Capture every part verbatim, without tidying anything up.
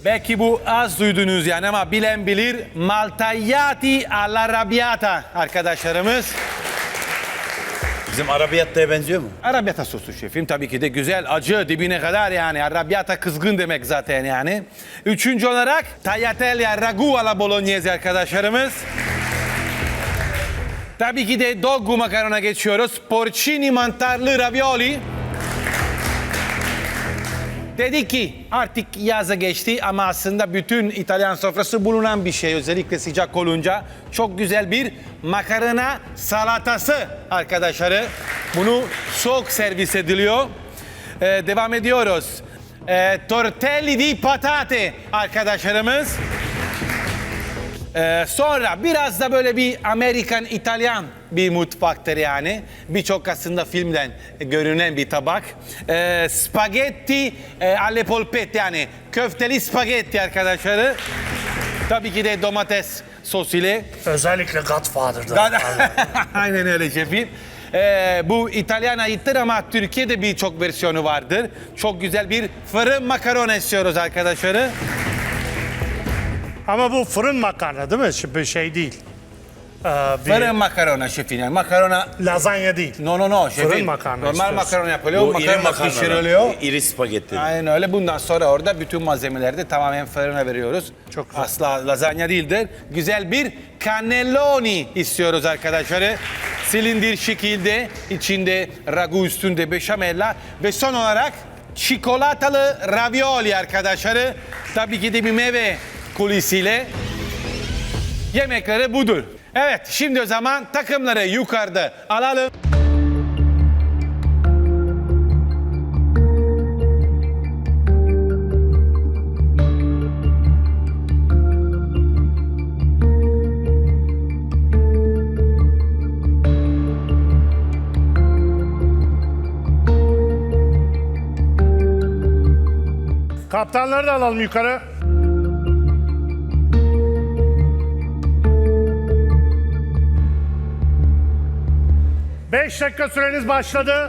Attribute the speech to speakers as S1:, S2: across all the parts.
S1: Belki bu az duydunuz yani ama bilen bilir. Maltagliati all'arrabbiata arkadaşlarımız.
S2: Bizim arabiyattaya benziyor mu?
S1: Arrabbiata sosu şefim tabii ki de güzel, acı dibine kadar yani. Arrabbiata kızgın demek zaten yani. Üçüncü olarak tagliatelle ragu alla bolognese arkadaşlarımız. Tabii ki de dogu makarona geçiyoruz. Porcini mantarlı ravioli. Dedik ki artık yaza geçti ama aslında bütün İtalyan sofrası bulunan bir şey. Özellikle sıcak olunca çok güzel bir makarna salatası arkadaşları. Bunu soğuk servis ediliyor. Ee, devam ediyoruz. Ee, tortelli di patate arkadaşlarımız. Ee, sonra biraz da böyle bir Amerikan, İtalyan bir mutfaktır yani. Birçok aslında filmden görünen bir tabak. Ee, spagetti e, alle polpette yani köfteli spagetti arkadaşları. Tabii ki de domates sos ile.
S3: Özellikle Godfather'da.
S1: Aynen öyle şefim. Ee, bu İtalyan aittir ama Türkiye'de birçok versiyonu vardır. Çok güzel bir fırın makarona istiyoruz arkadaşları.
S3: Ama bu fırın makarna değil mi? Şimdi şey değil. Ee, bir
S1: Fırın makarona şefim yani makarona...
S3: lazanya değil.
S1: No no no şefim.
S3: Fırın makarna
S1: Normal
S3: istiyorsun.
S1: makarona yapılıyor.
S2: Bu iri
S1: Makarna
S2: makarna.
S1: pişiriliyor.
S2: İri spagetti.
S1: Aynen öyle. Bundan sonra orada bütün malzemeleri de tamamen fırına veriyoruz.
S3: Çok güzel.
S1: Asla lazanya değildir. Güzel bir cannelloni istiyoruz arkadaşları. Silindir şekilde, içinde ragu üstünde beşamella ve son olarak çikolatalı ravioli arkadaşları. Tabii ki de bir meyve kulisiyle yemekleri budur. Evet, şimdi o zaman takımları yukarıda alalım.
S3: Kaptanları da alalım yukarı. Beş dakika süreniz başladı.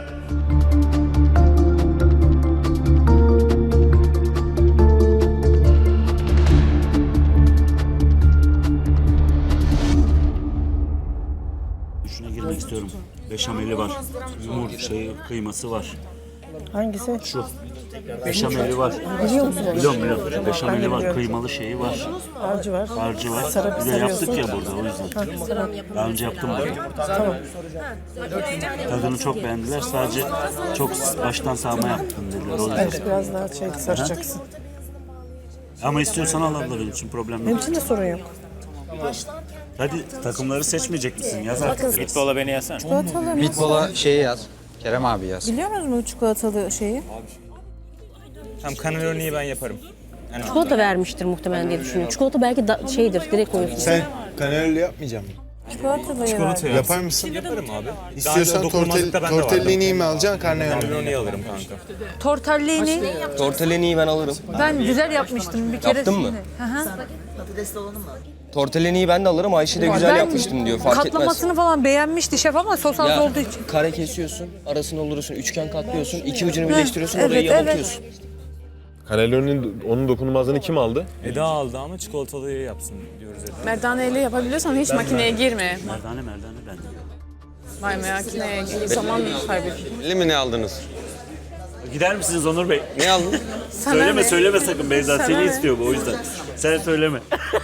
S4: Şuna girmek istiyorum. Beşameli var. Yumurta şey kıyması var.
S5: Hangisi?
S4: Şu. Beşameli var.
S5: Biliyor musun?
S4: Biliyorum biliyorum. Beşameli
S5: Ben de
S4: var.
S5: biliyorum.
S4: Kıymalı şeyi var.
S5: Harcı var.
S4: Harcı var.
S5: Sarıp
S4: Bir de yaptık
S5: sarıyorsun.
S4: ya burada o yüzden. Daha önce yaptım burada.
S5: Tamam.
S4: Tadını çok beğendiler. Sadece çok baştan sağma yaptım dediler. O yüzden.
S5: Evet, biraz daha şey saracaksın.
S4: Ama istiyorsan al abla benim için problem
S5: Benim
S4: yok.
S5: için de sorun yok.
S4: Hadi takımları seçmeyecek misin? Yaz artık.
S6: Futbola beni yazsana.
S5: Çikolatalı
S7: Pitbull'a şeyi yaz. Kerem abi yaz.
S5: biliyor musunuz bu çikolatalı şeyi?
S6: Tamam, cannelloni'yi ben yaparım.
S8: Çikolata vermiştir muhtemelen diye düşünüyorum. Çikolata belki da, şeydir, direkt koyuyorsun.
S9: Sen kanelli yapmayacak mısın?
S5: Çikolatalı Çikolata
S9: Yapar mısın?
S6: Yaparım abi.
S9: İstiyorsan tortel, tortellini'yi mi alacaksın, karnıyarık mı?
S6: Cannelloni'yi alırım kanka.
S10: Tortellini
S11: Tortellini'yi ben alırım.
S10: ben güzel yapmıştım bir kere.
S11: Yaptın mı?
S10: Hı hı.
S11: Tortellini'yi ben de alırım. Ayşe de güzel
S10: Ben
S11: yapmıştım diyor. Fark etmez.
S10: Katlamasını falan beğenmişti şef ama sos az
S11: Ya
S10: olduğu için.
S11: kare kesiyorsun, arasını olursun, üçgen katlıyorsun, iki ucunu birleştiriyorsun,
S10: evet,
S11: orayı
S10: evet.
S11: yamultuyorsun.
S9: Cannelloni'nin onun dokunulmazlığını kim aldı?
S6: Eda aldı ama çikolatalıyı yapsın diyoruz Eda.
S10: Merdaneyle yapabiliyorsan hiç makineye girme.
S4: Merdane merdane ben.
S10: Vay makineye gir. Zaman kaybediyorsun.
S11: Belli mi ne aldınız?
S4: Gider misiniz Onur Bey?
S11: Ne aldın?
S4: söyleme
S10: ne?
S4: söyleme sakın Beyza.
S10: Sana
S4: Seni
S10: ne?
S4: istiyor bu o yüzden. Sen söyleme.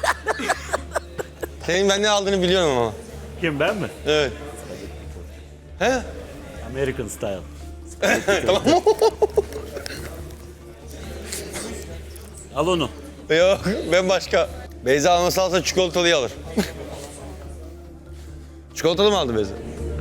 S11: Senin ben ne aldığını biliyorum ama.
S4: Kim ben mi?
S11: Evet. He?
S4: American style.
S11: Tamam.
S4: Al onu.
S11: Yok, ben başka. Beyza alması alsa çikolatalıyı alır. Çikolatalı mı aldı Beyza?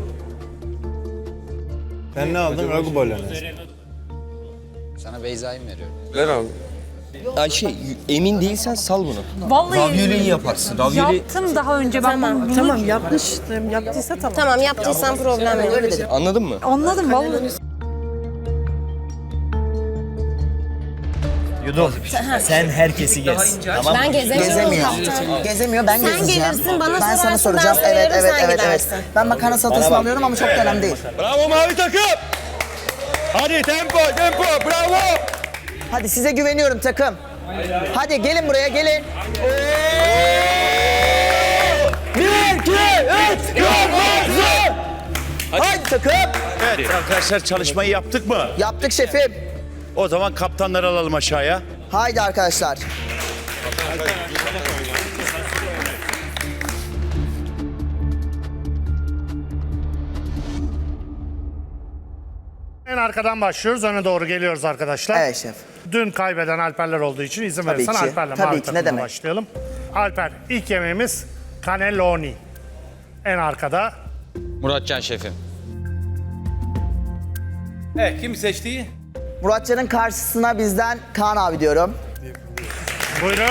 S9: Sen ne aldın? Ragu bolognese.
S7: Sana Beyza'yı mı veriyorum?
S11: Ver abi. Ayşe, emin değilsen sal bunu.
S10: Vallahi
S11: Ravioli'yi yaparsın. Ravioli...
S10: yaptım daha önce ben
S8: Tamam,
S10: bunu.
S5: Tamam yapmıştım. Yaptıysa tamam.
S8: Tamam yaptıysan problem yok. Öyle dedim.
S11: Anladın mı?
S10: Anladım vallahi.
S7: Yudum. Sen herkesi gez. Tamam.
S8: Ben gezemiyorum.
S5: Gezemiyor. Gezemiyor ben
S8: Sen
S5: gezeceğim.
S8: gelirsin bana
S5: Ben sana
S8: sorarsın,
S5: soracağım.
S8: ben
S5: Evet
S8: söylerim,
S5: evet
S8: sen
S5: evet evet.
S8: gidersin.
S5: Ben makarna salatasını alıyorum ama çok da önemli değil.
S11: Bravo mavi takım!
S9: Hadi tempo, tempo, bravo!
S5: Hadi size güveniyorum takım. Hadi gelin buraya gelin. Bir, iki, üç, kırmızı. Haydi takım.
S2: Evet arkadaşlar çalışmayı yaptık mı?
S5: Yaptık şefim.
S2: O zaman kaptanları alalım aşağıya.
S5: Haydi arkadaşlar.
S3: En arkadan başlıyoruz. Öne doğru geliyoruz arkadaşlar.
S5: Evet şef.
S3: Dün kaybeden Alperler olduğu için izin
S5: Tabii
S3: verirsen
S5: ki.
S3: Alper'le
S5: Tabii
S3: mavi
S5: ki, ne
S3: takımla
S5: demek.
S3: başlayalım. Alper, ilk yemeğimiz cannelloni. En arkada.
S7: Muratcan şefim.
S1: Evet, kim seçti?
S5: Muratcan'ın karşısına bizden Kaan abi diyorum.
S3: Buyurun.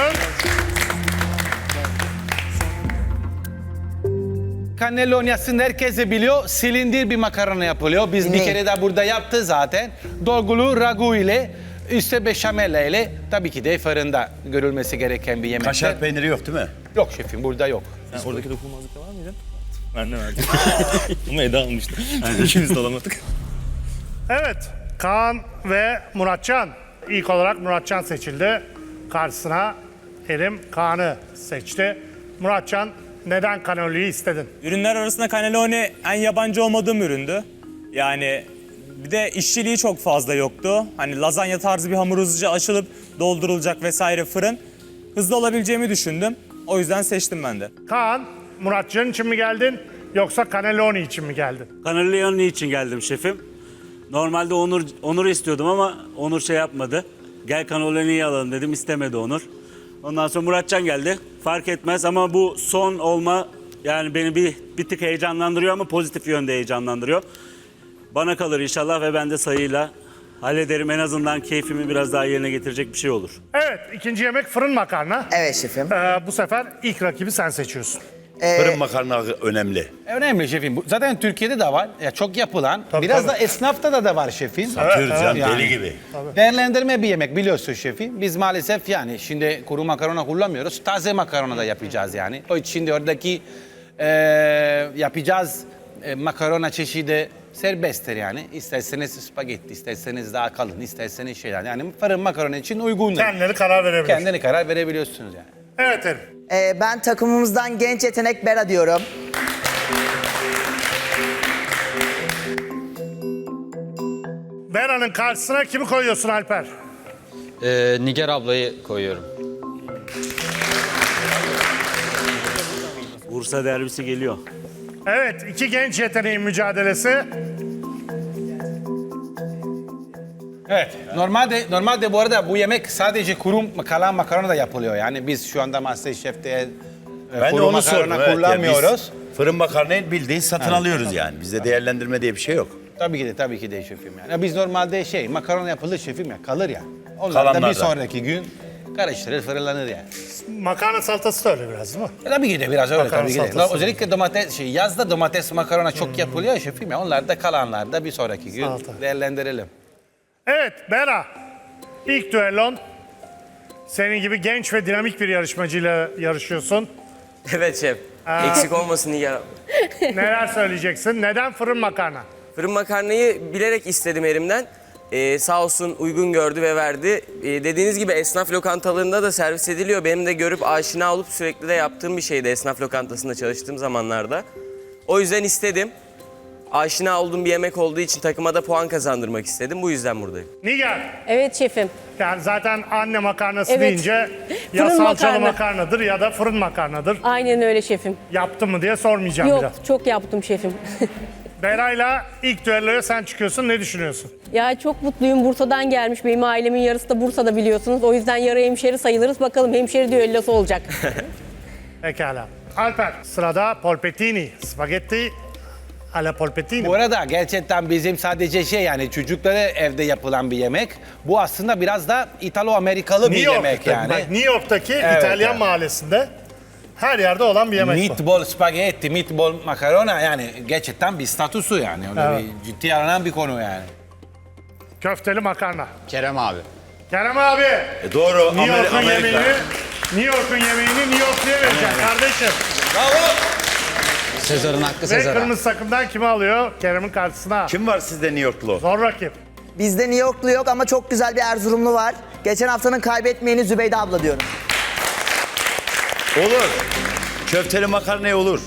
S1: Cannelloni aslında herkes de biliyor. Silindir bir makarna yapılıyor. Biz bir
S5: Dinleyin.
S1: kere de burada yaptı zaten. Dolgulu ragu ile, üstte beşamel ile, tabii ki de fırında görülmesi gereken bir yemek.
S2: Kaşar peyniri yok değil mi?
S1: Yok şefim, burada yok.
S6: Sen oradaki dokunulmazlıkta var mıydın? Ben de verdim. Ama Eda almıştı. İkimiz de alamadık.
S3: Evet, Kaan ve Muratcan. İlk olarak Muratcan seçildi. Karşısına Erim Kaan'ı seçti. Muratcan, neden cannelloni'yi istedin?
S6: Ürünler arasında cannelloni en yabancı olmadığım üründü. Yani bir de işçiliği çok fazla yoktu. Hani lazanya tarzı bir hamur hızlıca açılıp doldurulacak vesaire fırın. Hızlı olabileceğimi düşündüm. O yüzden seçtim ben de.
S3: Kaan, Muratcan için mi geldin yoksa cannelloni için mi geldin?
S4: Cannelloni için geldim şefim. Normalde Onur Onur istiyordum ama Onur şey yapmadı. Gel cannelloni'yi alalım dedim, istemedi Onur. Ondan sonra Muratcan geldi. Fark etmez ama bu son olma yani beni bir, bir tık heyecanlandırıyor ama pozitif yönde heyecanlandırıyor. Bana kalır inşallah ve ben de sayıyla hallederim. En azından keyfimi biraz daha yerine getirecek bir şey olur.
S3: Evet, ikinci yemek fırın makarna.
S5: Evet şefim.
S3: Ee, bu sefer ilk rakibi sen seçiyorsun.
S2: Fırın makarna önemli.
S1: Önemli şefim. Bu- Zaten Türkiye'de de var. Ya çok yapılan.
S3: Tabii,
S1: Biraz
S3: tabii.
S1: da esnafta da, da var şefim.
S2: Satıyoruz
S3: evet.
S2: yani,
S1: Yani.
S2: deli gibi.
S1: Değerlendirme bir yemek biliyorsun şefim. Biz maalesef yani şimdi kuru makarona kullanmıyoruz. Taze makarona da yapacağız yani. O için de oradaki e, yapacağız e, makarona çeşidi serbesttir yani. İsterseniz spagetti, isterseniz daha kalın, isterseniz şeyler. Yani fırın makarona için uygundur.
S3: Kendileri karar verebilir.
S1: Kendini karar verebiliyorsunuz yani.
S3: Evet Erim.
S5: Ee, ben takımımızdan genç yetenek Bera diyorum.
S3: Bera'nın karşısına kimi koyuyorsun Alper?
S7: Ee, Nigar ablayı koyuyorum.
S4: Bursa derbisi geliyor.
S3: Evet, iki genç yeteneğin mücadelesi.
S1: Evet. Normalde normalde bu arada bu yemek sadece kuru kalan makarona da yapılıyor. Yani biz şu anda MasterChef'te e,
S2: Ben de
S1: kuru
S2: onu sordum.
S1: makarona
S2: Evet,
S1: kullanmıyoruz.
S2: yani biz fırın makarnayı bildiğin satın alıyoruz yani. Bizde değerlendirme diye bir şey yok.
S1: Tabii ki de tabii ki de şefim yani. Ya biz normalde şey makarona yapılır şefim ya kalır ya. Onlar da
S2: Kalanlar
S1: bir
S2: da.
S1: sonraki gün karıştırır fırınlanır yani.
S3: Makarna salatası da öyle biraz değil mi?
S1: E, tabii ki de biraz öyle
S3: Makarna
S1: tabii ki de.
S3: salatası.
S1: Özellikle domates şey yazda domates makarona çok yapılıyor ya şefim ya. Onlar da kalanlar da bir sonraki gün
S3: Salata.
S1: değerlendirelim.
S3: Evet, Bera. İlk düellon. Senin gibi genç ve dinamik bir yarışmacıyla yarışıyorsun.
S11: Evet şef. Eksik olmasın Nigar abi.
S3: Neler söyleyeceksin? Neden fırın makarna?
S11: Fırın makarnayı bilerek istedim elimden. Ee, sağ olsun uygun gördü ve verdi. Ee, dediğiniz gibi esnaf lokantalarında da servis ediliyor. Benim de görüp aşina olup sürekli de yaptığım bir şeydi esnaf lokantasında çalıştığım zamanlarda. O yüzden istedim. Aşina olduğum bir yemek olduğu için takıma da puan kazandırmak istedim. Bu yüzden buradayım.
S3: Nigar.
S8: Evet şefim.
S3: Yani zaten anne makarnası
S8: Evet.
S3: deyince ya
S8: Fırın
S3: salçalı
S8: makarna.
S3: makarnadır ya da fırın makarnadır.
S8: Aynen öyle şefim.
S3: Yaptın mı diye sormayacağım bir
S8: Yok
S3: daha.
S8: çok yaptım şefim.
S3: Bera'yla ilk düelloya sen çıkıyorsun. Ne düşünüyorsun?
S8: Ya çok mutluyum. Bursa'dan gelmiş. Benim ailemin yarısı da Bursa'da biliyorsunuz. O yüzden yarı hemşeri sayılırız. Bakalım hemşeri düellosu olacak.
S3: Pekala. Alper, sırada polpettini, spagetti alla polpettini.
S1: Bu arada gerçekten bizim sadece şey yani çocuklara evde yapılan bir yemek. Bu aslında biraz da İtalo-Amerikalı bir
S3: New
S1: yemek
S3: York'ta,
S1: yani.
S3: bak, New York'taki
S1: Evet,
S3: İtalyan
S1: evet.
S3: mahallesinde her yerde olan bir yemek bu.
S1: Meatball spagetti, meatball makarona yani gerçekten bir statüsü yani. Öyle
S3: Evet.
S1: bir ciddi aranan bir konu yani.
S3: Köfteli makarna.
S7: Kerem abi.
S3: Kerem abi,
S2: E doğru.
S3: New
S2: Amer-
S3: York'un
S2: Amerika.
S3: yemeğini New York'un yemeğini New York'luya vereceksin kardeşim.
S7: Sezar'ın hakkı
S3: Ve
S7: Sezar'a.
S3: kırmızı takımdan kimi alıyor? Kerem'in karşısına.
S2: Kim var sizde New Yorklu?
S3: Zor rakip.
S5: Bizde New Yorklu yok ama çok güzel bir Erzurumlu var. Geçen haftanın kaybetmeyeni Zübeyde abla diyorum.
S2: Olur. Köfteli makarnaya olur.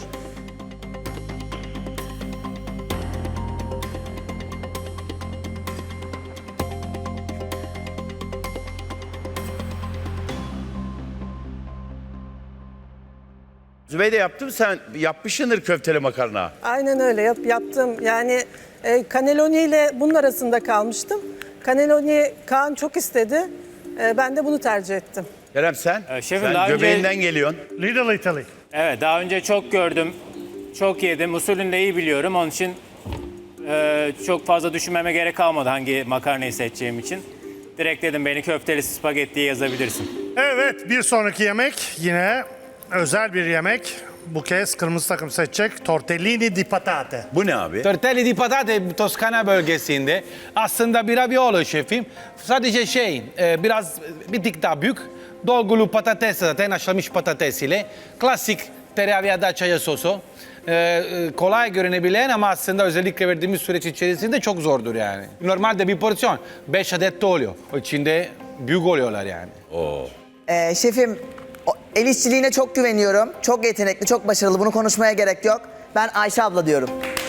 S2: Zübeyde yaptım, sen yapmışsındır köfteli makarna.
S10: Aynen öyle yap, yaptım. Yani e, cannelloni ile bunun arasında kalmıştım. Cannelloni Kaan çok istedi. E, ben de bunu tercih ettim.
S2: Kerem sen?
S12: Ee, şefim,
S2: sen
S12: daha önce-
S2: göbeğinden geliyorsun.
S3: Little Italy.
S12: Evet, daha önce çok gördüm, çok yedim. Usulünü de iyi biliyorum. Onun için e, çok fazla düşünmeme gerek kalmadı hangi makarnayı seçeceğim için. Direkt dedim beni köfteli spagettiye yazabilirsin.
S3: Evet, bir sonraki yemek yine özel bir yemek. Bu kez kırmızı takım seçecek. Tortellini di patate.
S2: Bu ne abi?
S1: Tortelli di patate Toskana bölgesinde aslında bir raviolo şefim. Sadece şey e, biraz bir tık daha büyük. Dolgulu patates zaten haşlanmış patates ile. Klasik tereyağı ya da çaya sosu. E, e, kolay görünebilen ama aslında özellikle verdiğimiz süreç içerisinde çok zordur yani. Normalde bir porsiyon beş adet de oluyor. O içinde büyük oluyorlar yani.
S2: Oo.
S5: Ee, şefim, o- el işçiliğine çok güveniyorum. Çok yetenekli, çok başarılı. Bunu konuşmaya gerek yok. Ben Ayşe abla diyorum.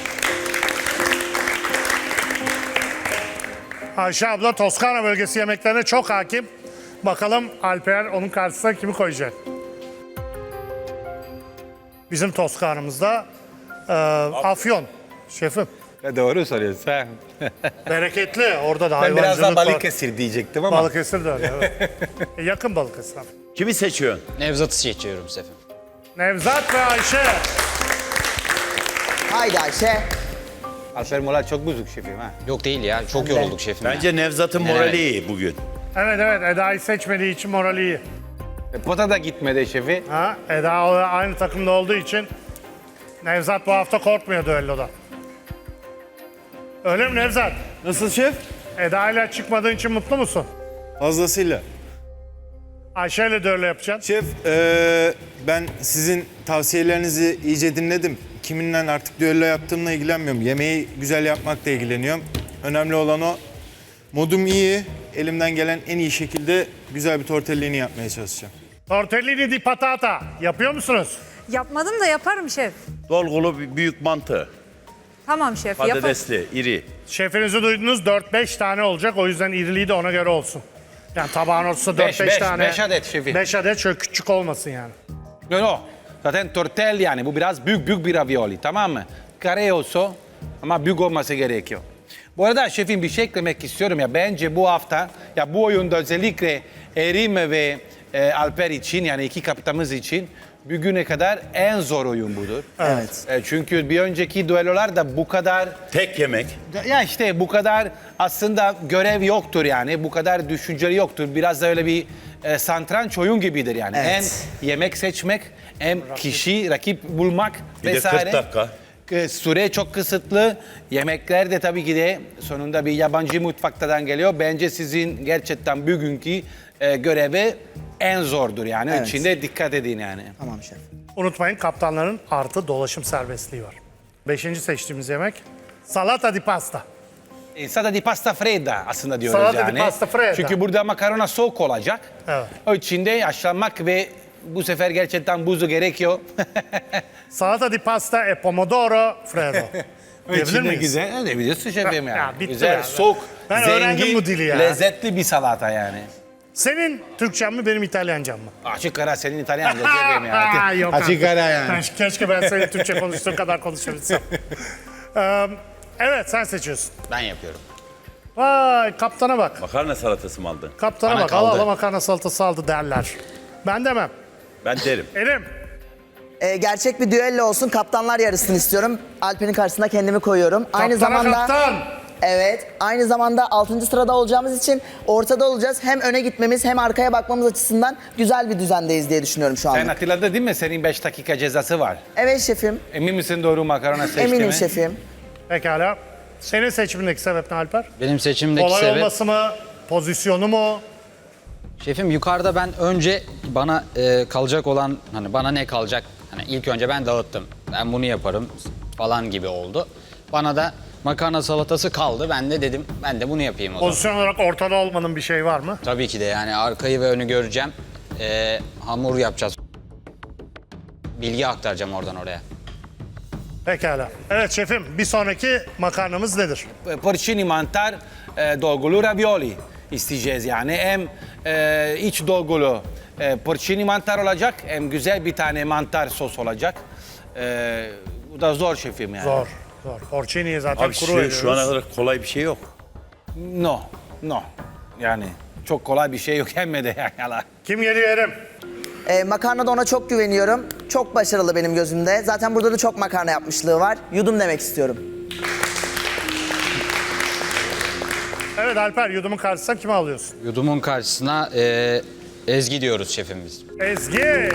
S3: Ayşe abla Toskana bölgesi yemeklerine çok hakim. Bakalım Alper onun karşısına kimi koyacak? Bizim Toskana'mızda e, Afyon şefim.
S1: Ya doğru soruyorsun sen.
S3: Bereketli. Orada da
S1: Ben
S3: hayvancılık
S1: biraz daha
S3: var.
S1: Balıkesir diyecektim ama.
S3: Balıkesir de öyle. Evet. E, yakın Balıkesir.
S2: Kimi seçiyorsun?
S7: Nevzat'ı seçiyorum şefim.
S3: Nevzat ve Ayşe.
S5: Haydi Ayşe.
S1: Alper Mola çok bozuk şefim ha.
S7: Yok değil ya. Çok yorulduk şefim. ya.
S2: Bence Nevzat'ın
S7: Evet.
S2: morali iyi bugün.
S3: Evet evet Eda'yı seçmediği için morali iyi.
S1: E, pota da gitmedi şefi.
S3: Ha, Eda aynı takımda olduğu için Nevzat bu hafta korkmuyor düelloda. Öyle mi Nevzat?
S9: Nasıl şef?
S3: Eda ile çıkmadığın için mutlu musun?
S9: Fazlasıyla.
S3: Ayşe ile düello yapacaksın.
S9: Şef, eee, ben sizin tavsiyelerinizi iyice dinledim. Kiminle artık düello yaptığımla ilgilenmiyorum. Yemeği güzel yapmakla ilgileniyorum. Önemli olan o. Modum iyi. Elimden gelen en iyi şekilde güzel bir tortellini yapmaya çalışacağım.
S3: Tortellini di patata yapıyor musunuz?
S10: Yapmadım da yaparım şef.
S2: Dolgulu bir büyük mantı.
S10: Tamam şef,
S2: Patatesli, iri.
S3: Şefinizi duydunuz dört beş tane olacak o yüzden iriliği de ona göre olsun. Yani tabağın ortasında
S1: Beş,
S3: dört beş
S1: beş,
S3: tane.
S1: beş adet şefim.
S3: beş adet şöyle küçük olmasın yani.
S1: No no. Zaten tortelli yani bu biraz büyük büyük bir ravioli tamam mı? Kare olsa ama büyük olması gerekiyor. Bu arada şefim bir şey eklemek istiyorum ya bence bu hafta ya bu oyunda özellikle Erim ve e, Alper için yani iki kaptanımız için bugüne kadar en zor oyun budur.
S5: Evet.
S1: E, çünkü bir önceki düellolarda bu kadar
S2: Tek yemek.
S1: ya işte bu kadar aslında görev yoktur yani. Bu kadar düşünceli yoktur. Biraz da öyle bir e, satranç oyun gibidir yani.
S5: Evet.
S1: Hem yemek seçmek hem kişi, rakip bulmak
S2: Bir de
S1: vesaire.
S2: kırk dakika.
S1: E, Süre çok kısıtlı. Yemekler de tabii ki de sonunda bir yabancı mutfaktan geliyor. Bence sizin gerçekten bugünkü e, görevi en zordur yani.
S5: Evet.
S1: İçinde dikkat edin yani.
S5: Tamam şef.
S3: Unutmayın kaptanların artı dolaşım serbestliği var. Beşinci seçtiğimiz yemek salata di pasta.
S1: Insada di pasta fredda aslında diyoruz
S3: Salata di
S1: yani.
S3: pasta fredda.
S1: Çünkü burada makarona soğuk olacak.
S3: Evet.
S1: O içinde haşlanmak ve bu sefer gerçekten buzu gerekiyor.
S3: Salata di pasta e pomodoro freddo.
S1: O
S3: Diyebilir
S1: içinde
S3: miyiz?
S1: güzel. Ne biliyorsun şefim yani.
S3: Ya bitti
S1: güzel,
S3: ya.
S1: soğuk,
S3: Ben öğrendim
S1: zengin,
S3: bu dili ya.
S1: lezzetli bir salata yani.
S3: Senin Türkçen mi benim İtalyancam mı?
S1: Açık ara senin İtalyanca şefim ya.
S3: Aa, yok
S1: Açık
S3: artık.
S1: ara yani.
S3: Ben- Keşke ben senin Türkçe konuştuğun kadar konuşabilsem. Ee, evet sen seçiyorsun.
S7: Ben yapıyorum.
S3: Vay kaptana bak.
S2: Makarna salatası mı aldın?
S3: Kaptana
S7: Bana
S3: bak. Allah
S7: kaldı.
S3: Allah makarna salatası aldı derler. Ben demem.
S2: Ben derim.
S3: Elim.
S5: Ee, gerçek bir düello olsun. Kaptanlar yarışsın istiyorum. Alper'in karşısına kendimi koyuyorum. Aynı
S3: Kaptana
S5: zamanda
S3: kaptan.
S5: evet, aynı zamanda altıncı sırada olacağımız için ortada olacağız. Hem öne gitmemiz hem arkaya bakmamız açısından güzel bir düzendeyiz diye düşünüyorum şu
S1: Sen
S5: anda.
S1: hatırladın değil mi? Senin beş dakika cezası var.
S5: Evet şefim.
S1: Emin misin doğru makarona seçtiğimi?
S5: Eminim şefim.
S3: Pekala. Senin seçimindeki sebep ne Alper?
S7: Benim seçimdeki
S3: Olay
S7: sebep...
S3: olması mı? Pozisyonu mu?
S7: Şefim yukarıda ben önce bana e, kalacak olan hani bana ne kalacak hani ilk önce ben dağıttım. Ben bunu yaparım falan gibi oldu. Bana da makarna salatası kaldı. Ben de dedim ben de bunu yapayım o zaman.
S3: Pozisyon olarak ortada olmanın bir şey var mı?
S7: Tabii ki de yani arkayı ve önü göreceğim. Ee, hamur yapacağız. Bilgi aktaracağım oradan oraya.
S3: Pekala. Evet şefim, bir sonraki makarnamız nedir?
S1: Porcini mantar e, dolgulu ravioli isteyeceğiz yani. Hem e, iç dolgulu e, porcini mantar olacak hem güzel bir tane mantar sos olacak. E, bu da zor şefim yani.
S3: Zor, zor. Porcini'yi zaten
S2: Abi
S3: kuru
S2: şu,
S3: veriyoruz.
S2: şu ana kadar kolay bir şey yok.
S1: No, no. Yani çok kolay bir şey yok hem de yani.
S3: Kim geliyor Erim?
S5: Ee, makarnada ona çok güveniyorum. Çok başarılı benim gözümde. Zaten burada da çok makarna yapmışlığı var. Yudum demek istiyorum.
S3: Evet Alper, yudumun karşısına kimi alıyorsun?
S7: Yudumun karşısına e, Ezgi diyoruz şefimiz.
S3: Ezgi.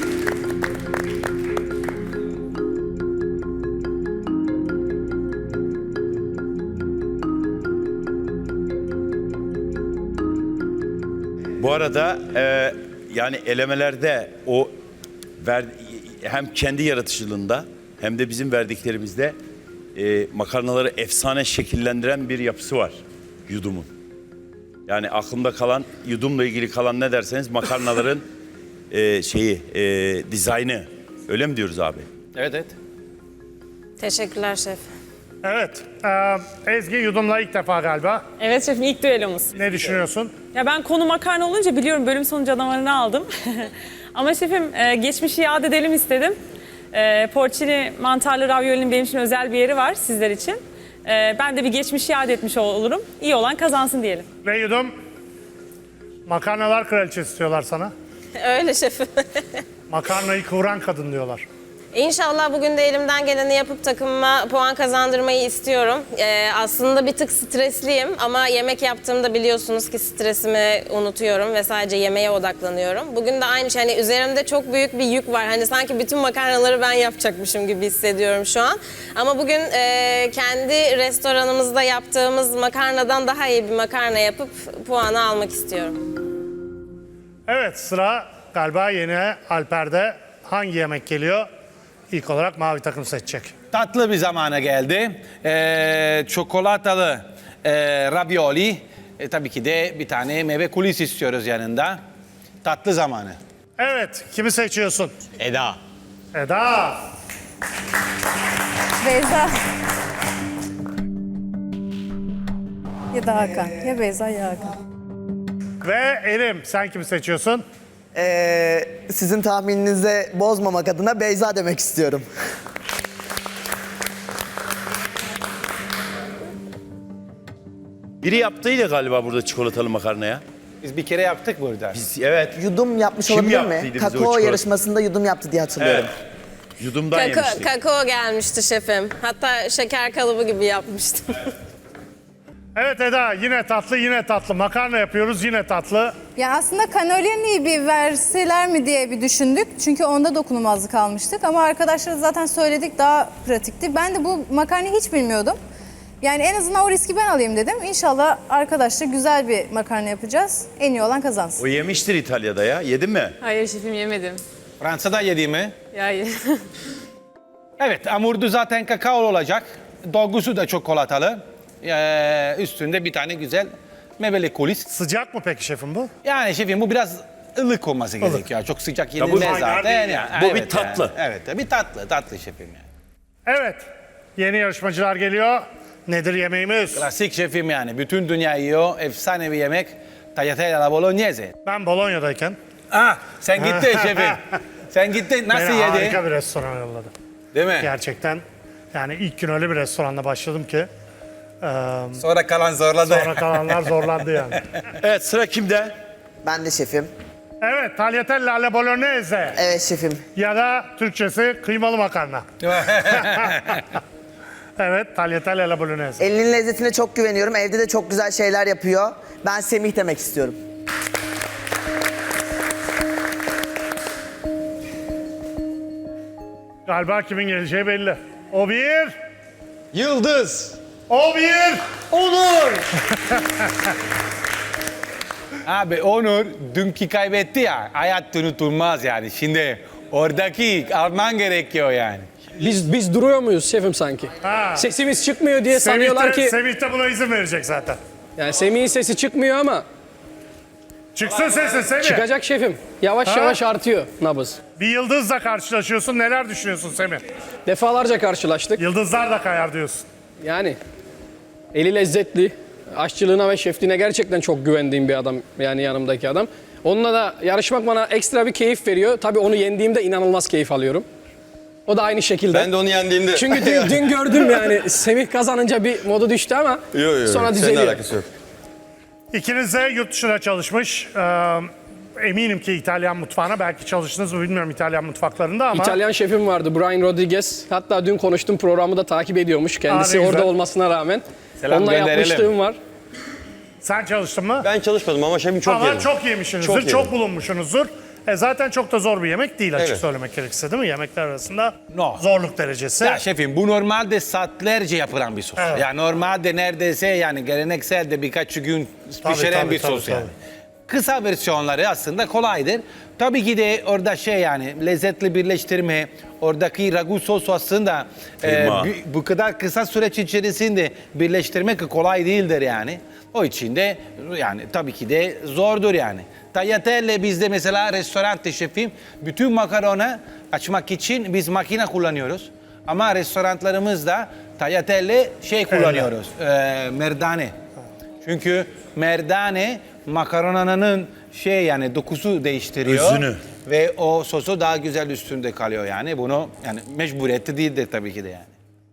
S2: Bu arada e, yani elemelerde o ver, hem kendi yaratıcılığında hem de bizim verdiklerimizde e, makarnaları efsane şekillendiren bir yapısı var yudumun. Yani aklımda kalan, yudumla ilgili kalan ne derseniz makarnaların e, şeyi, e, dizaynı. Öyle mi diyoruz abi?
S1: Evet evet.
S13: Teşekkürler şef.
S3: Evet, e, Ezgi yudumla ilk defa galiba.
S14: Evet şefim, ilk düellomuz.
S3: Ne düşünüyorsun?
S14: Ya ben konu makarna olunca biliyorum bölüm sonu canavarını aldım. Ama şefim e, geçmişi yad edelim istedim. E, porcini mantarlı raviolinin benim için özel bir yeri var sizler için. E, ben de bir geçmişi yad etmiş olurum. İyi olan kazansın diyelim.
S3: Ve yudum, makarnalar kraliçesi diyorlar sana.
S13: Öyle şefim.
S3: Makarnayı kıvıran kadın diyorlar.
S13: İnşallah bugün de elimden geleni yapıp takımıma puan kazandırmayı istiyorum. Ee, aslında bir tık stresliyim ama yemek yaptığımda biliyorsunuz ki stresimi unutuyorum ve sadece yemeğe odaklanıyorum. Bugün de aynı şey, hani üzerimde çok büyük bir yük var. Hani sanki bütün makarnaları ben yapacakmışım gibi hissediyorum şu an. Ama bugün e, kendi restoranımızda yaptığımız makarnadan daha iyi bir makarna yapıp puanı almak istiyorum.
S3: Evet, sıra galiba yeni Alper'de. Hangi yemek geliyor? İlk olarak mavi takım seçecek.
S1: Tatlı bir zamana geldi. Ee, çikolatalı e, ravioli. E, tabii ki de bir tane meyve kulisi istiyoruz yanında. Tatlı zamanı.
S3: Evet, kimi seçiyorsun?
S7: Eda.
S3: Eda.
S15: Beyza. Ya da Hakan. Ya Beyza ya Hakan.
S3: Ve Erim, sen kimi seçiyorsun?
S5: Ee, sizin tahmininizi bozmamak adına Beyza demek istiyorum.
S2: Biri yaptıydı galiba burada çikolatalı makarnaya.
S1: Biz bir kere yaptık burada.
S2: Biz, evet.
S5: Yudum yapmış
S2: Kim
S5: olabilir
S2: yaptıydı
S5: mi?
S2: bize o
S5: Kakao
S2: çikolata?
S5: yarışmasında yudum yaptı diye hatırlıyorum.
S2: Evet. Yudumdan
S13: Kakao,
S2: yemiştik.
S13: kakao gelmişti şefim. Hatta şeker kalıbı gibi yapmıştım.
S3: Evet Eda, yine tatlı, yine tatlı. Makarna yapıyoruz, yine tatlı.
S15: Ya aslında cannellini'yi bir verseler mi diye bir düşündük. Çünkü onda dokunulmazlık almıştık. Ama arkadaşlar zaten söyledik, daha pratikti. Ben de bu makarnayı hiç bilmiyordum. Yani en azından o riski ben alayım dedim. İnşallah arkadaşlar güzel bir makarna yapacağız. En iyi olan kazansın.
S2: O yemiştir İtalya'da ya. Yedin mi?
S14: Hayır şefim, yemedim.
S1: Fransa'da yedi mi?
S14: Yani.
S1: Evet, hamurdu zaten kakao olacak. Dolgusu da çikolatalı. Ee, üstünde bir tane güzel meyveli kulis.
S3: Sıcak mı peki şefim bu?
S1: Yani şefim bu biraz ılık olması gerekiyor. Çok sıcak
S2: bu
S1: yenilmez
S3: kaynar
S1: zaten.
S3: değil
S1: Yani.
S2: Bu bir
S1: Evet
S2: tatlı.
S1: yani. Evet, bir tatlı, tatlı şefim yani.
S3: Evet, yeni yarışmacılar geliyor. Nedir yemeğimiz?
S1: Klasik şefim yani. Bütün dünya yiyor. Efsane bir yemek. Tagliatelle alla bolognese.
S3: Ben Bolonya'dayken
S1: Ah, sen gittin şefim. Sen gittin. Nasıl
S3: beni
S1: yedin?
S3: harika bir restorana yolladı.
S1: Değil mi?
S3: Gerçekten yani ilk gün öyle bir restoranda başladım ki e,
S1: Sonra kalan zorladı.
S3: sonra kalanlar zorlandı yani.
S2: Evet, sıra kimde?
S5: Ben de şefim.
S3: Evet, tagliatelle alla bolognese
S5: Evet şefim.
S3: ya da Türkçesi kıymalı makarna. Evet, tagliatelle alla bolognese.
S5: Elinin lezzetine çok güveniyorum. Evde de çok güzel şeyler yapıyor. Ben Semih demek istiyorum.
S3: Galiba kimin geleceği belli. O bir,
S1: Yıldız.
S3: o bir.
S1: Onur. Abi Onur dünkü kaybetti ya. Hayat unutulmaz yani. Şimdi oradaki alman gerekiyor yani.
S16: Biz biz duruyor muyuz şefim sanki?
S3: Ha.
S16: Sesimiz çıkmıyor diye
S3: Semih
S16: sanıyorlar
S3: de,
S16: ki...
S3: Semih de buna izin verecek zaten.
S16: Yani Semih'in sesi çıkmıyor ama
S3: Çıksın sesin Semih.
S16: çıkacak şefim. Yavaş
S3: Ha?
S16: yavaş artıyor nabız.
S3: Bir yıldızla karşılaşıyorsun. Neler düşünüyorsun Semih?
S16: Defalarca karşılaştık.
S3: Yıldızlar da kayar diyorsun.
S16: Yani eli lezzetli. Aşçılığına ve şefliğine gerçekten çok güvendiğim bir adam. Yani yanımdaki adam. Onunla da yarışmak bana ekstra bir keyif veriyor. Tabii onu yendiğimde inanılmaz keyif alıyorum. O da aynı şekilde.
S17: Ben de onu yendiğimde.
S16: Çünkü dün, dün gördüm yani Semih kazanınca bir modu düştü ama
S17: Yok yok.
S16: sonra
S17: Seninle
S16: düzeliyor.
S17: alakası yok.
S3: İkiniz de yurt dışına çalışmış. Ee, eminim ki İtalyan mutfağına belki çalıştınız mı bilmiyorum İtalyan mutfaklarında ama.
S16: İtalyan şefim vardı Brian Rodriguez. Hatta dün konuştum programı da takip ediyormuş. Kendisi
S3: Aa, ne
S16: orada
S3: güzel.
S16: olmasına rağmen.
S1: Selam
S16: Onunla
S1: gönderelim.
S16: yapmışlığım var.
S3: Sen çalıştın mı?
S17: Ben çalışmadım ama şefim çok
S3: Ama
S17: yedim.
S3: çok yemişsinizdir,
S17: Çok
S3: çok,
S17: yedim.
S3: bulunmuşsunuzdur. E zaten çok da zor bir yemek değil açık
S17: Evet.
S3: söylemek gerekirse değil mi? Yemekler arasında
S1: No.
S3: zorluk derecesi.
S1: Ya şefim bu normalde saatlerce yapılan bir sos.
S3: Evet.
S1: Yani normalde neredeyse yani geleneksel de birkaç gün
S3: Tabii,
S1: pişiren
S3: tabii,
S1: bir
S3: tabii,
S1: sos
S3: tabii.
S1: yani. Kısa versiyonları aslında kolaydır. Tabii ki de orada şey yani lezzetli birleştirme, oradaki ragu sosu aslında e,
S2: Kıyma.
S1: bu, bu kadar kısa süreç içerisinde birleştirmek kolay değildir yani. O için de yani tabii ki de zordur yani. Tagliatelle bizde mesela restorante şefim bütün makarona açmak için biz makine kullanıyoruz. Ama restoranlarımızda tagliatelle şey kullanıyoruz, e, merdane. Çünkü merdane makaronanın şey yani dokusu değiştiriyor.
S2: Özünü.
S1: Ve o sosu daha güzel üstünde kalıyor yani. Bunu yani mecburiyeti değildir tabii ki de yani.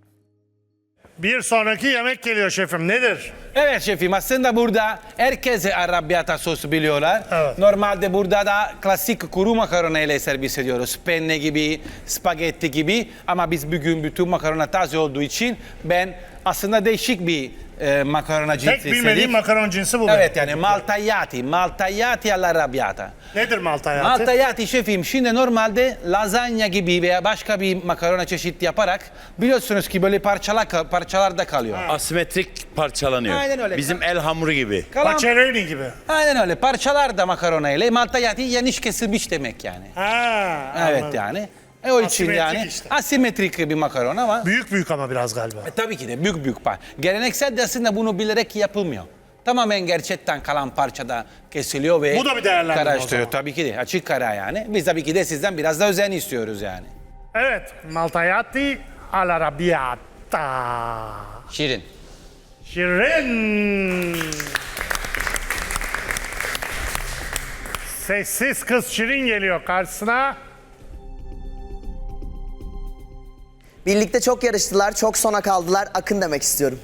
S3: Bir sonraki yemek geliyor şefim. Nedir?
S1: Evet şefim aslında burada herkese arrabbiata sos biliyorlar.
S3: Evet.
S1: Normalde burada da klasik kuru makarona ile servis ediyoruz. Penne gibi, spagetti gibi. Ama biz bugün bütün makarona taze olduğu için ben aslında değişik bir e, makarona cinsi
S3: Tek bilmediğim
S1: istedim.
S3: makaron cinsi bu.
S1: Evet yani maltagliati, maltagliati all'arrabbiata.
S3: Nedir maltagliati?
S1: Maltagliati şefim şimdi normalde lazanya gibi veya başka bir makarona çeşit yaparak biliyorsunuz ki böyle parçalar parçalarda kalıyor.
S2: Asimetrik parçalanıyor.
S1: Aynen öyle.
S2: Bizim el hamuru gibi.
S1: Kalan-
S3: Paceroni gibi.
S1: Aynen öyle. Parçalar da makarona ile maltagliati yanlış kesilmiş demek yani.
S3: Ha,
S1: Evet
S3: anladım.
S1: yani. E o için
S3: Asimetrik
S1: yani
S3: işte.
S1: asimetrik bir makarona ama
S3: Büyük büyük ama biraz galiba.
S1: e, tabii ki de büyük büyük par. Geleneksel de aslında bunu bilerek yapılmıyor. Tamamen gerçekten kalan parçada kesiliyor ve
S3: Bu da bir değerlendirme o
S1: karıştırıyor.
S3: zaman.
S1: Tabii ki de açık kara yani. Biz tabii ki de sizden biraz da özen istiyoruz yani.
S3: Evet, maltagliati all'arrabbiata.
S7: Şirin.
S3: Şirin. Sessiz kız Şirin geliyor karşısına.
S5: Birlikte çok yarıştılar, çok sona kaldılar. Akın demek istiyorum.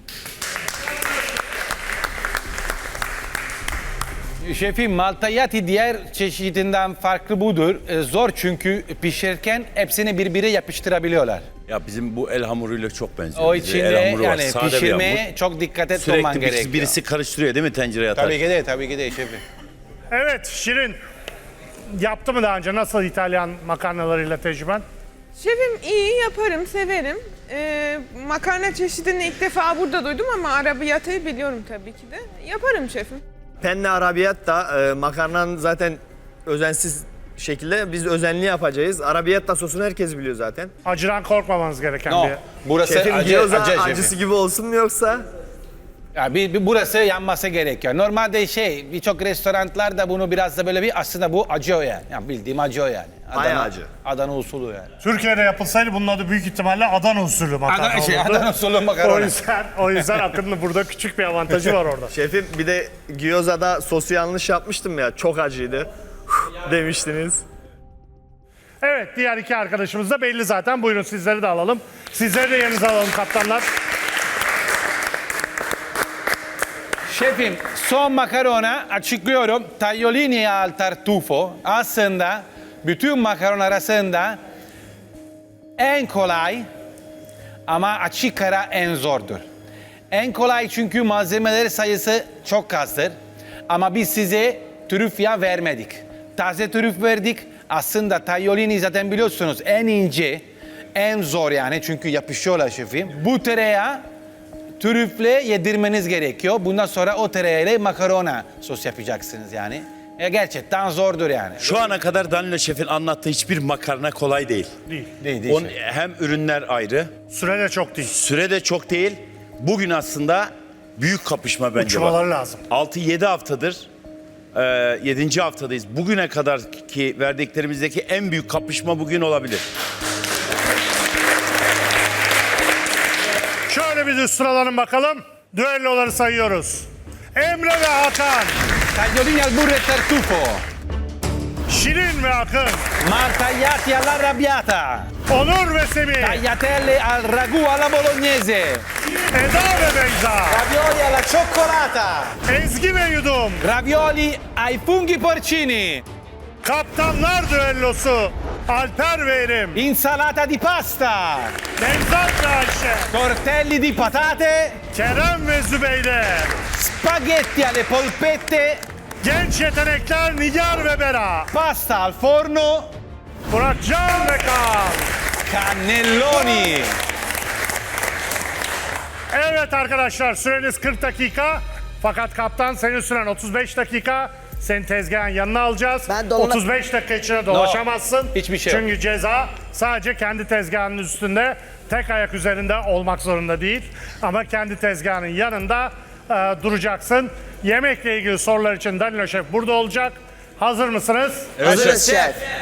S1: Şefim maltagliati diğer çeşidinden farklı budur. E, zor çünkü pişirirken hepsini birbirine yapıştırabiliyorlar.
S2: Ya bizim bu el hamuruyla çok benziyor.
S1: O
S2: Bizde
S1: için
S2: el
S1: de
S2: hamuru var,
S1: yani
S2: sade bir
S1: pişirmeye
S2: hamur.
S1: çok dikkat etmen
S2: Sürekli birisi,
S1: gerekiyor.
S2: birisi karıştırıyor değil mi tencereye atar?
S1: Tabii ki de, tabii ki de şefim.
S3: Evet Şirin. Yaptı mı daha önce? Nasıl İtalyan makarnalarıyla tecrüben?
S18: Şefim iyi yaparım, severim. Ee, makarna çeşidini ilk defa burada duydum ama arabiyatayı biliyorum tabii ki de. Yaparım şefim.
S19: Penne arabiyatta e, makarnanın zaten özensiz şekilde biz özenli yapacağız. Arabiyatta sosunu herkes biliyor zaten.
S3: Acıdan korkmamanız gereken
S1: No,
S3: bir...
S1: burası
S19: Şefim
S1: acı,
S19: gyoza
S1: acı şefim.
S19: acısı gibi olsun mu yoksa?
S1: Ya bir, bir burası yanması gerekiyor. Normalde şey birçok restoranlarda bunu biraz da böyle bir aslında bu acı o yani. Yani bildiğim acı o yani.
S19: Bayağı acı.
S1: Adana usulü yani.
S3: Türkiye'de yapılsaydı bunun adı büyük ihtimalle Adana usulü makarna
S1: Adana, şey,
S3: olurdu.
S1: Adana usulü makarna.
S3: O yüzden, o yüzden Akın'ın burada küçük bir avantajı var orada.
S19: Şefim bir de gyozada sosu yanlış yapmıştım ya çok acıydı demiştiniz.
S3: Evet, diğer iki arkadaşımız da belli zaten. Buyurun sizleri de alalım. Sizleri de yerinize alalım kaptanlar.
S1: Şefim son makarona açıklıyorum. Tagliolini al tartufo aslında bütün makaron arasında en kolay ama açık ara en zordur. En kolay çünkü malzemeler sayısı çok azdır. Ama biz size trüf yağı vermedik. Taze trüf verdik. Aslında tagliolini zaten biliyorsunuz en ince, en zor yani çünkü yapışıyorlar şefim. Bu tereyağı trüfle yedirmeniz gerekiyor. Bundan sonra o tereyağıyla makarona sos yapacaksınız yani. E, gerçekten zordur yani.
S2: Şu ana kadar Danilo Şef'in anlattığı hiçbir makarna kolay değil.
S3: Değil.
S1: Değil, değil.
S2: Onun, hem ürünler ayrı,
S3: Süre de çok değil.
S2: süre de çok değil. Bugün aslında büyük kapışma bence
S3: Uçmaları
S2: var.
S3: lazım.
S2: altı yedi haftadır, e, yedinci haftadayız. Bugüne kadar ki verdiklerimizdeki en büyük kapışma bugün olabilir.
S3: Şöyle bir düz sıralanın bakalım. Düelloları sayıyoruz. Emre ve Hakan.
S1: Tagliolini al burro e tartufo.
S3: Şirin ve Akın.
S1: Martagliati all'arrabbiata.
S3: Onur ve Semih.
S1: Tagliatelle al ragù alla bolognese.
S3: Eda ve Beyza.
S1: Ravioli alla cioccolata.
S3: Ezgi ve Yudum.
S1: Ravioli ai funghi porcini.
S3: Kaptanlar düellosu. Alper ve Erim.
S1: Insalata di pasta.
S3: Nevzat ve Ayşe.
S1: Tortelli di patate.
S3: Kerem ve Zübeyde.
S1: Spaghetti alle polpette.
S3: Genç yetenekler Nigar ve Bera.
S1: Pasta al forno.
S3: Muratcan ve Kaan.
S1: Cannelloni.
S3: Evet arkadaşlar, süreniz kırk dakika. Fakat kaptan senin süren otuz beş dakika. Seni tezgahın yanına alacağız.
S5: Ben dolana-
S3: otuz beş dakika içinde dolaşamazsın.
S1: hiçbir şey yok.
S3: Çünkü ceza sadece kendi tezgahının üstünde, tek ayak üzerinde olmak zorunda değil. Ama kendi tezgahının yanında e, duracaksın. Yemekle ilgili sorular için Danilo Şef burada olacak. Hazır mısınız?
S5: Hazırız şef.